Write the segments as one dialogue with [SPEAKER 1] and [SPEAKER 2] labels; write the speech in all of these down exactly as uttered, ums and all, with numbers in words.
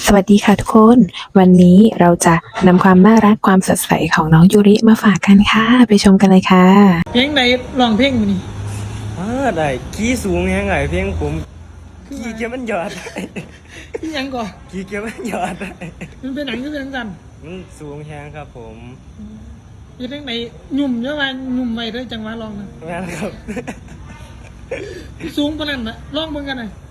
[SPEAKER 1] สวัสดีค่ะทุกคน วันนี้เราจะนำความน่ารักความสดใสของน้องยูริมาฝากกันค่ะ ไปชมกันเลยค่ะ
[SPEAKER 2] เพลงใดร้องเพลงมันนี่
[SPEAKER 3] อ่าได้ขี้สูงยังไงเพียงผมขี้เกียวมันหยอดได้
[SPEAKER 2] ที่ยังก่อน
[SPEAKER 3] ขี้เกียวมันหยอดได้
[SPEAKER 2] มันเป็นหนังก็เป็นกัน
[SPEAKER 3] มันสูงแฮงครับผม
[SPEAKER 2] เพลงใดหยุ่มเยอะมาหยุ่มไปด้วยจังหวะร้องนะ
[SPEAKER 3] แม่นครับ
[SPEAKER 2] สูงปานนั้นนะร้องเบิ่งกันหน่อย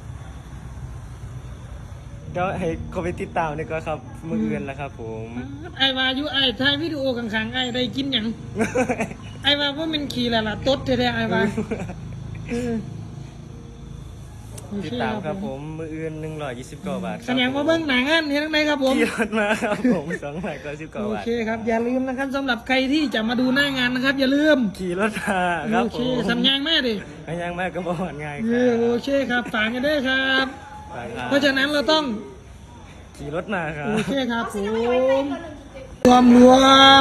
[SPEAKER 3] เดี๋ยวให้เขาไปติดตามดีกว่าครับมืออื่นแล้วครับผม
[SPEAKER 2] ไอ้วาอยุไอ้ถ่ายวิดีโอข้างๆไอ้ได้กินหยังไอ้วาว่ามันขี่แล้วล่ะตดแท้ๆไอ้วาเออโอ
[SPEAKER 3] ติด
[SPEAKER 2] เค
[SPEAKER 3] ตามครับผมมืออื่นหนึ่งร้อยยี่สิบเก้าบาท
[SPEAKER 2] แสดงว่าเบิ่งหนังอันนี้ทั้งใดครับผม
[SPEAKER 3] ขี่รถมาครับผมสองร้อยเก้าสิบเก้าาท
[SPEAKER 2] โอบเคครับอย่าลืมนะครับสำหรับใครที่จะมาดูหน้างานนะครับ อย่าลืม
[SPEAKER 3] ขี่รถมาครับ
[SPEAKER 2] โอ
[SPEAKER 3] ผ
[SPEAKER 2] เค
[SPEAKER 3] ม
[SPEAKER 2] สัญญาณแม่ดิ
[SPEAKER 3] ไม่ยังมากก็บอกง่ายค
[SPEAKER 2] เอ
[SPEAKER 3] รั
[SPEAKER 2] อบ โอเคครับฝากกันด้วยครับ
[SPEAKER 3] ไปครับ
[SPEAKER 2] เพราะฉะนั้นเราต้อง
[SPEAKER 3] ขี่รถมาครับ
[SPEAKER 2] โอเคครับผมรวมรวม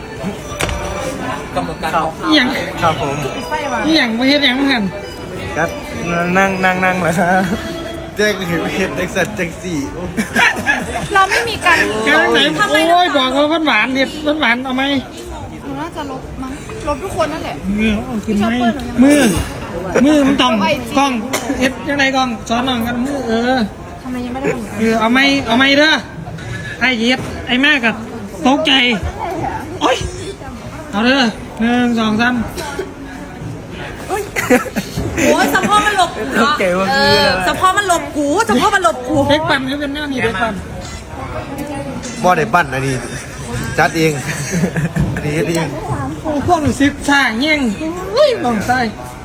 [SPEAKER 3] กำลังการ
[SPEAKER 2] อหย่าง
[SPEAKER 3] ครับผม
[SPEAKER 2] อหย่างไม่เห็นอย่างหัน
[SPEAKER 3] ครับนั่งนั่งนั่งเลยครับแจ็คเห็นเห็นแจ็คสันแจ็คสี่
[SPEAKER 4] เราไม่มีการ
[SPEAKER 2] แกไหนโอ้ยบอกว่าหวานๆเนี่ยหวานๆเอาไหม
[SPEAKER 4] หนูน่าจะลบมั้งลบทุกคนนั่นแหละ
[SPEAKER 2] มือเอาขึ้นไหมมือมือมันต้องกล้องเอ็ดยังไงกล้องสอนน้องกันมือเออ
[SPEAKER 4] ทำไมยังไม่ได้ลง
[SPEAKER 2] เออเอาไหมเอาไหมเด้อไอ้เย็ดไอ้แม่กับตกใจโอ้ยเอาเด้อหนึ่งสองสาม
[SPEAKER 4] โอ้ยสะโพกมันหลบกู
[SPEAKER 3] โอเคว่าคืออะไร
[SPEAKER 4] สะโพกมันหลบกูสะโพกมันหลบกู
[SPEAKER 2] เด็กปั่นให้เป็นหน้านี่เด็กปั่น
[SPEAKER 5] บ่ได้ปั้นอันนี้จัดเอง อันนี้เฮ็ดเอง
[SPEAKER 2] โอ้พวกหนูซิบสร้างเงี้ยงอุ้ยต้องใส่